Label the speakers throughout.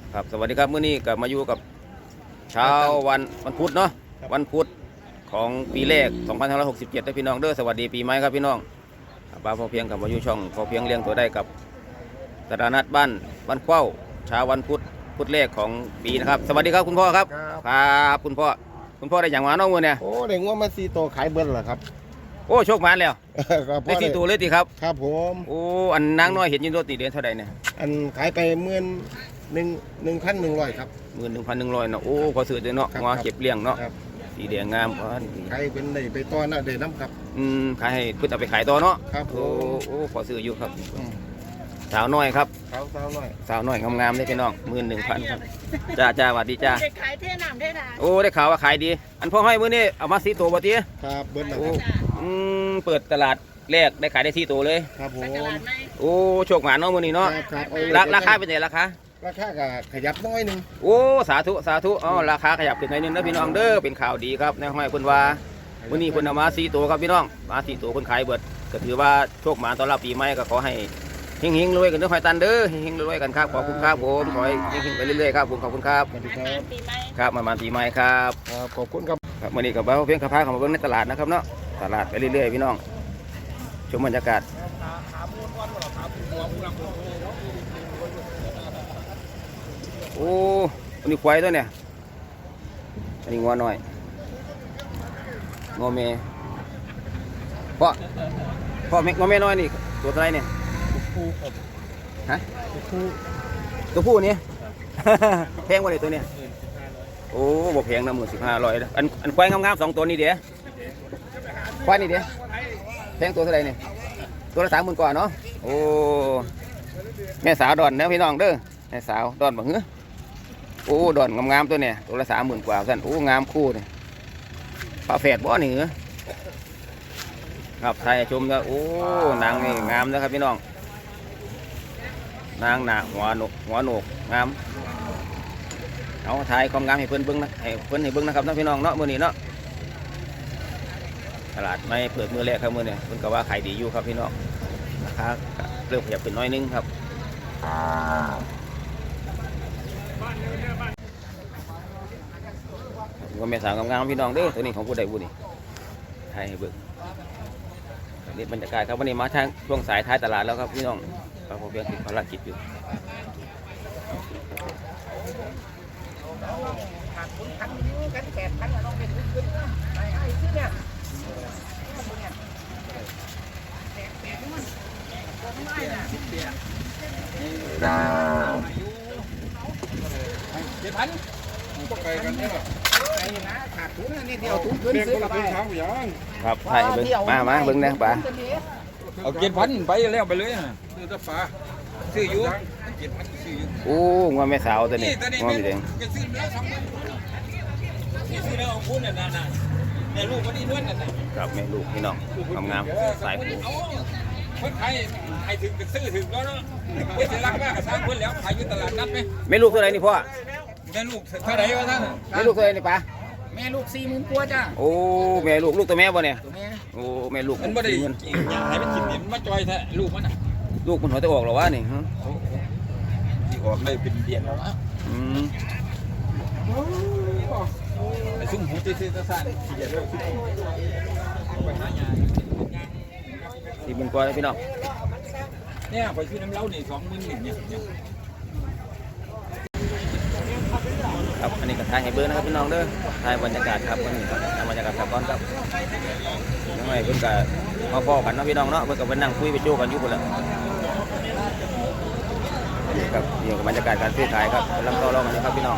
Speaker 1: ครับสวัสดีครับมื้อนี้ก็มาอยู่กับเช้าวันพุธเนาะวันพุธของปีแรก2567นะพี่น้องเด้อสวัสดีปีใหม่ครับพี่น้องป้าพอเพียงกับมาอยู่ช่องพอเพียงเลี้ยงตัวได้กับตลาดนัดบ้านเข้าเช้าวันพุธแรกของปีนะครับสวัสดีครับคุณพ่อครับครับคุณพ่อได้อย่างมาน้องมือเนี่ย
Speaker 2: โอ้ได้งัวมา4ตัวขายเบิ้ลเหรอครับ
Speaker 1: โอ้โชคหมานแล้วได้4ตัวเลยติครับ
Speaker 2: ครับผม
Speaker 1: โอ้อันนางน้อยเห็นยินโรตีเดือนเท่าใดเนี่ย
Speaker 2: อันขายไป1,100ครับ
Speaker 1: 11,100เนาะโอ้พอซื้อเด้เนาะงัวเก็บเลี้ยงเนาะสีแดงงาม
Speaker 2: ขายเป็นได้ไปต่อนะได้น้ำครับ
Speaker 1: ขายให้เพื่อเอาไปขายต่อเนาะ
Speaker 2: ครับ
Speaker 1: โอ้พอซื้ออยู่ครับสาวน้อยครับ
Speaker 2: สาว
Speaker 1: น้อยงามๆเลยพี่น้อง11,000ครับจ้าสวัสดีจ้า
Speaker 3: ขายเท่น้ำได้นะ
Speaker 1: โอ้ได้ข่าวว่าขายดีอันพ่อให้มื้อนี้เอามา4ตัวบ่ติ
Speaker 2: ครับเบิ้ลนะ
Speaker 1: โอ้เปิดตลาดแรกได้ขายได้4ตัวเลย
Speaker 2: ครับผม
Speaker 1: โอ้โชคหมานเนาะมื้อนี้เนาะราคาเป็นไงราคา
Speaker 2: ก็ขยับน้อยนึง
Speaker 1: โอ้สาธุอ๋อราคาขยับขึ้นหน่อยนึงนะพี่น้องเด้อเป็นข่าวดีครับในห้อยเพิ่นว่ามื้อนี้เพิ่นเอามา4ตัวครับพี่น้องมา4ตัวเพิ่นขายเบิดก็ถือว่าโชคหมานต้อนรับปีใหม่ก็ขอให้เฮงๆรวยกันเด้อหอยตันเด้อเฮงๆรวยกันครับขอบคุณครับผมขอให้เฮงๆไปเรื่อยๆครับผมขอบคุณครับ
Speaker 2: สวัสดีครับ
Speaker 1: ครับมาปีใหม่ครับ
Speaker 2: ขอบคุณครับ
Speaker 1: ครับมื้อนี้ก็บ่าวเพียงพาเข้ามาเบิ่งในตลาดนะครับเนาะตลาดไปเรื่อยๆพี่น้องชมบรรยากาศโอ้อันนี้ควายตัวเนี่ยอันนี้งัวน้อยงัวเมย์พ่องัวเมย์น้อยนี่ตัวอะไรเนี่ยฮะตัวผู้นี่ แพงกว่าเลยตัวเนี้ยโอ้บ่แพงนะ15,500อันควายงามๆ2ตัวนี้เดี๋ยวควายนี่เดี๋ยวแพงตัวเท่าไหร่เนี่ยตัวละ30,000กว่าเนาะโอ้แม่สาวดอนนะพี่น้องเด้อแม่สาวดอนบ่หือโอ้ดอนงามๆตัวเนี่ยตัวละ30,000กว่าสั่นโอ้งามคู่เนี่ยฝาแฝดบ่นี่เหรอครับไทยชมนะโอ้นางนี่งามนะครับพี่น้องนางหนาหัวโหนกงามเอาถ่ายความงามให้เพิ่นเบิ่งนะให้เบิ่งนะครับน้องพี่น้องเนาะมื้อนี้เนาะตลาดไม่เปิดมื้อแรกครับมื้อนี้เพิ่นก็ว่าขายดีอยู่ครับพี่น้องราคาเริ่มขยับขึ้นน้อยนึงครับว่าแม่สาวงามๆพี่น้องเด้อตัวนี้ของผู้ใดผู้นี้ถ่ายให้เบิ่งนี่บรรยากาศครับวันนี้มาทางช่วงสายท้ายตลาดแล้วครับพี่น้องผมเพียงติดภารกิจอยู่ครับใช่เบิ้งมาเบิ้งนะป้า
Speaker 4: เอา7,000ไปแล้วไปเลยนะซื้อตะฟ้าซื้ออยู่7,000ซื้ออยู่
Speaker 1: โอ้งัวแม่สาวตัวนี้งัวมีแดง
Speaker 4: ซื้อแล้วของคุณน่ะแต่ลูกบ่ได้เงินน่ะ
Speaker 1: ครับแม่ลูกพี่น้องงามสายผู
Speaker 4: เพิ่นให้ถึงซื้อถึงแล้วเนาะเพิ่นสิรักมากก็สร้างเพิ่นแล้วขายอยู่ตลาดนัดมั้ย
Speaker 1: แม่ลูกเท่าไหร่นี่พ่อ
Speaker 4: แม่ลูกเท่าไหร่วะท่าน
Speaker 1: แม่ลูกเท่าไหร่นี่ป้า
Speaker 4: แม่ลูก40,000กว่าจ้า
Speaker 1: โอ้แม่ลูกตัวแม่บ่เนี่ยโอ้แม่ลูก
Speaker 4: มันบ่ได้ให้มันกินมันมาจอยแท้ลูกมันน่ะ
Speaker 1: ลูกมันหัวจะออกหรอวะนี่ฮะ
Speaker 4: ที่ออกได้เป็นเดือนแล้วนะไอ้ซุ่มหูตื้อๆซ่านๆเดี๋ยวไปหายา
Speaker 1: 40,000กว่าพี่น้อง
Speaker 4: เนี่ยไปซื้อน้ำเล้านี่20,000เนี่ย
Speaker 1: ครับอันนี้ก็ถ่ายให้เบิ้งนะครับพี่น้องเด้อถ่ายบรรยากาศครับวันนี้ครับบรรยากาศครับก่อนครับยังไงเพิ่นก็มาพ้อกันเนาะพี่น้องเนาะเพิ่นก็ไปนั่งคุยไปโจ้กันอยู่พุ่นแหละครับนี่ก็บรรยากาศการซื้อขายครับกำลังต่อรองกันนะครับพี่น้อง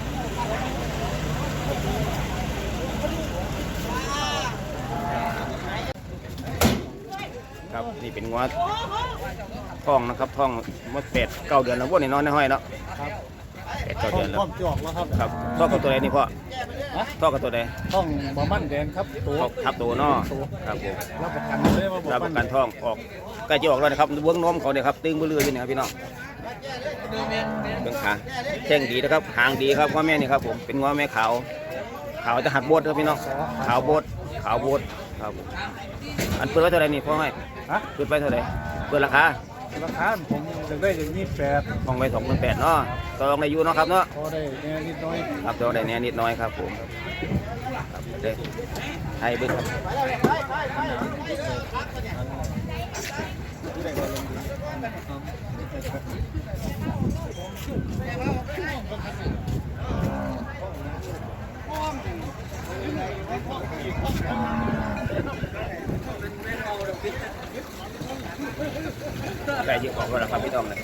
Speaker 1: ครับนี่เป็นงัวท้องนะครับท้องมา8-9 เดือนแล้วพวกนี้นอนในห้อยเนาะ8-9 เดือนแล้วครับท้องกับตัวใดนี่พ่อท้องกับตัวใด
Speaker 2: ท้องบ่มั่นแดงครับ
Speaker 1: ตัวทับตัวเนาะครับผม
Speaker 2: รับประกันเลยว่า
Speaker 1: รับประกันท้องออกใกล้จะออกแล้วนะครับเบื้องนมเขาเนี่ยครับตึงเบื้ออยู่เนี่ยครับพี่น้องเบื้องขาแข้งดีนะครับหางดีครับง้อแม่นี่ครับผมเป็นง้อแม่ขาวจะหัดโบดครับพี่น้องขาวโบดครับอันเปิดไว้เท่าไหร่นี่พ่อให้เปิดไปเท่าไหร่เปิดราคา
Speaker 2: ราคาผมจะได้อย่าง28
Speaker 1: ห้องไว้28,000เนาะต่อรองได้อยู่เนาะครับเนาะ
Speaker 2: พอได้แน่นิดหน้อย
Speaker 1: ครับต่อได้แน่นิดน้อยครับผมครับเด้ให้เบิ่งครับไก่เยอะกว่าแล้วครับพี่ต้องเลย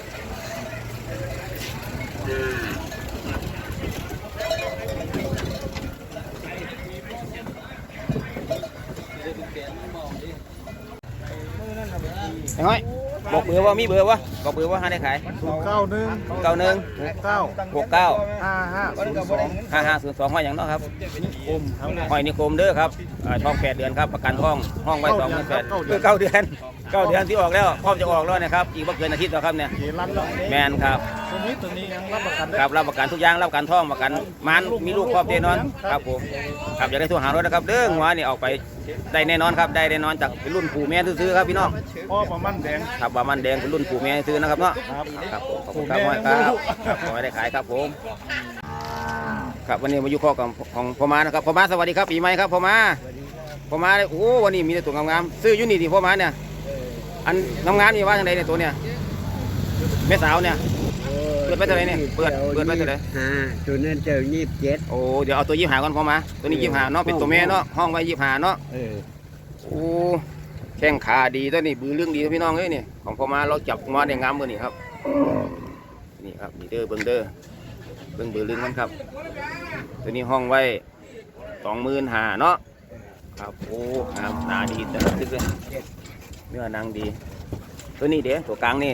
Speaker 1: ไอ้ห้อยบอกเบอร์ว่ามีเบอร์วะบอกเบอร์ว่าหาได้ขาย
Speaker 2: 91
Speaker 1: 91
Speaker 2: 69
Speaker 1: 69
Speaker 2: 5502
Speaker 1: 5502ห้อยอย่างเนาะครับ
Speaker 2: อมครับ
Speaker 1: ห้อยนิคมเด้อครับท้อง8 เดือนครับประกันห้องไว้28,000คือ9 เดือน9 เดือนที่ออกแล้วพร้อมจะออกแล้วนะครับอีกไม่เกินอาทิตย์แล้วครับเนี่ย
Speaker 2: เกรันแล้ว
Speaker 1: แมนครับ
Speaker 2: ตัวนี้ยังรับประกันได้
Speaker 1: ครับรับประกันทุกอย่างรับประกันท้องประกันมันมีลูกครอบแน่นอนครับผมครับอยากได้โทรหารถนะครับเด้อหัวนี่ออกไปได้แน่นอนครับได้แน่นอนจากเป็นรุ่นปู่แม่ซื้อๆครับพี่น้อง
Speaker 2: พ่อประมันแดง
Speaker 1: ครับว่ามันแดงเป็นรุ่นปู่แม่ซื้อนะครับเนาะ
Speaker 2: ครับ
Speaker 1: ครับผมขอบคุณครับห้อยครับขอให้ได้ขายครับผมครับวันนี้มาอยู่ข้อกับของพ่อมานะครับพ่อมาสวัสดีครับปีใหม่ครับพ่อมาโอ้วันนี้มีแต่ตัวงามๆซื้ออยู่นี่ดิพ่อมาเนี่ยอันงามๆนี่ว่าอย่างไรเนี่ยตัวเนี่ยแม่สาวเนี่ยเปิดไปเท่าไหร่เนี่ยเปิดไปเท่าไหร่
Speaker 3: ตัวนั้นเจอ27
Speaker 1: โอ้เดี๋ยวเอาตัว25ก่อนพ่อมาตัวนี้25เนาะเป็นตัวแม่เนาะห้องไว้25เนาะโอ้แข้งขาดีตัวนี้บือเรื่องดีพี่น้องเอ้ยนี่ของพ่อมาเราจับมาได้งามมือนี่ครับนี่ครับนี่เด้อเบิ่งบือเรื่องมันครับตัวนี้ห้องไว้25,000เนาะครับโอ้งามหนาดีแต่ละตึกเลยเนื้อนางดีตัวนี้เดี๋ยวตัวกลางนี่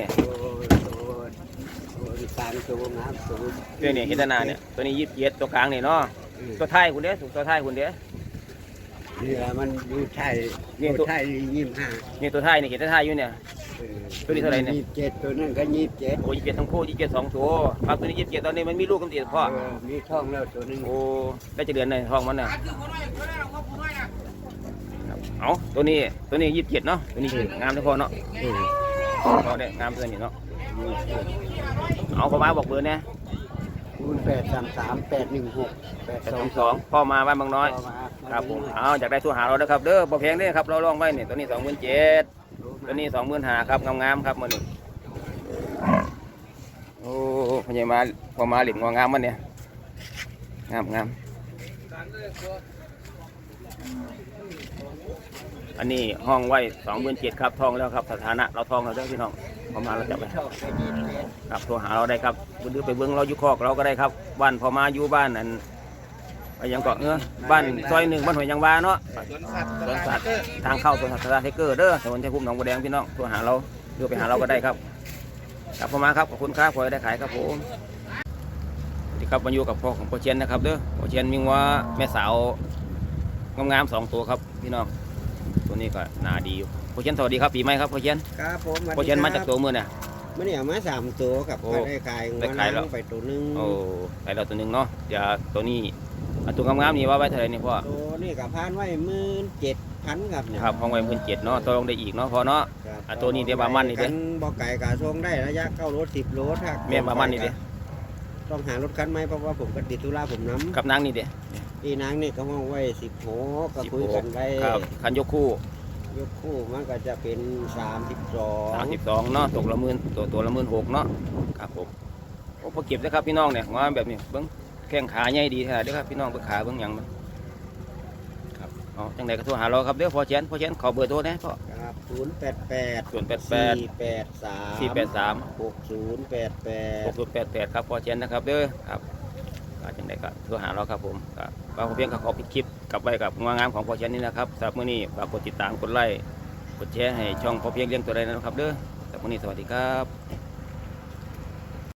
Speaker 3: ตามตัวน้ำตัว
Speaker 1: ตัวนี้เห็นหน้าเนี่ยตัวนี้27ตัวกลางนี่เนาะตัวท้ายคุณเด้อตัวท้ายคุณเด้อ
Speaker 3: นี่แหละมันดูไทย
Speaker 1: นี่
Speaker 3: ดู
Speaker 1: ตัว
Speaker 3: ไทย25
Speaker 1: นี่ตัวท้ายนี่เห็นตัวท้ายอยู่เนี่ย ตัวนี้เท่าไหร่เนี่ย
Speaker 3: 27ตัวนั้นก็27
Speaker 1: โอ้27ทั้งคู่27 2ตัวครับตัวนี้27ตอนนี้มันมีลูกกำลังพ่อ
Speaker 3: มีท้องแล้วตัวนึง
Speaker 1: โอ้ได้จะเดือนในท้องมันน่ะเอาตัวนี้27เนาะตัวนี้งามทุกคนเนาะเอาได้งามตัวนี้เนาะเอาพ่อมาบอกเบอร์เนี่ย
Speaker 3: 0833816822
Speaker 1: พ่อมาบ้านบางน้อยครับผมเอาอยากได้ตัวหาเราเด้อครับเด้อบ่แพงเด้อครับเราลองไว้นี่ตัวนี้27,000ตัวนี้25,000ครับงามๆครับมื้อนี้โอ้พญามาพอมาหลิมงามมันเนี่ยงามอันนี้ห้องไว้27,000ครับทองแล้วครับสถานะเราทองแล้วเด้อพี่น้องพอมาเราจับไปครับโทรหาเราได้ครับหรือไปเบิ้งเราอยู่คอกเราก็ได้ครับบ้านพอมาอยู่บ้านนั้นไปยังเกาะเนื้อบ้านซอย1บ้านหัวยยางวาเนาะสวนสัตว์ทางเข้าสวนสัตว์ไทเกอร์เด้อถนนชัยภูมิหนองบัวแดงพี่น้องโทรหาเราหรือไปหาเราก็ได้ครับครับพอมาครับขอบคุณครับขอให้ได้ขายครับผมสวัสดีครับมาอยู่กับพ่อของพ่อเชียนนะครับเด้อพ่อเชียนมีว่าแม่สาวงามๆ2 ตัวครับพี่น้องตัวนี้ก็น่าดีอยู่พ่อเชียนสวัสดีครับปีใหม่ครับพ่อเชียน
Speaker 3: ครับผม
Speaker 1: พ่อเชียนมาจากตัวมือเนี่ย
Speaker 3: มันเนี่ยมา3ตัวกับ
Speaker 1: โอ้
Speaker 3: ได้ขาย
Speaker 1: ได้ขายแล้ว
Speaker 3: ไปตัวนึง
Speaker 1: โอ้ไปเราตัวหนึ่งเนาะเดี๋ยวตัวนี้อันตัวงามๆนี่ว่าไว้เท่าไหร่นี่พ่อ
Speaker 3: ตัวนี้กับพานไว้17,000ครับเนี่ย
Speaker 1: ครับห้องไว้17,000เนาะตัวลงได้อีกเนาะพอเนาะ
Speaker 3: ครับ
Speaker 1: อ่ะตัวนี้เดี๋ยวบามันนี่เด้
Speaker 3: กับ่ไก่กะทรงได้ระยะเข้ารถ10 โลถ้า
Speaker 1: แม่บามันนี่เด้
Speaker 3: ต้องหารถคันใหม่เพราะว่าผมก็ติดธุระผมน้ำ
Speaker 1: กับนางนี่เด้
Speaker 3: พี่นางนี่ก็ห้องไว้16ก็คุยกันไว้
Speaker 1: ครับคันยกคู่
Speaker 3: ยกคู่มันก็จะเป็น32
Speaker 1: 32เนาะตกละหมื่นตัวละ16,000เนาะครับผมโอ้พอเก็บนะครับพี่น้องเนี่ยงามแบบนี้เบิ่งแข้งขาใหญ่ดีแท้เด้อครับพี่น้องเบิ่งขาเบิ่งหยังมันครับเอาจังไดก็โทรหาเราครับเด้อพ่อเชียนขอเบอร์โทรนะพ่อ
Speaker 3: ครับ088
Speaker 1: 088
Speaker 3: 483
Speaker 1: 483
Speaker 3: 6088
Speaker 1: 6088ครับพ่อเชียนนะครับเด้อครับจังไดก็โทรหาเราครับผมครับก็เพียงขอปิดคลิปกลับไว้กับงามของพ่อเชียนนี่นะครับสำหรับมื้อนี้ฝากกดติดตามกดไลค์กดแชร์ให้ช่องพ่อเพียงเลี้ยงตัวใดนะครับเด้อสำหรับมื้อนี้สวัสดีครับ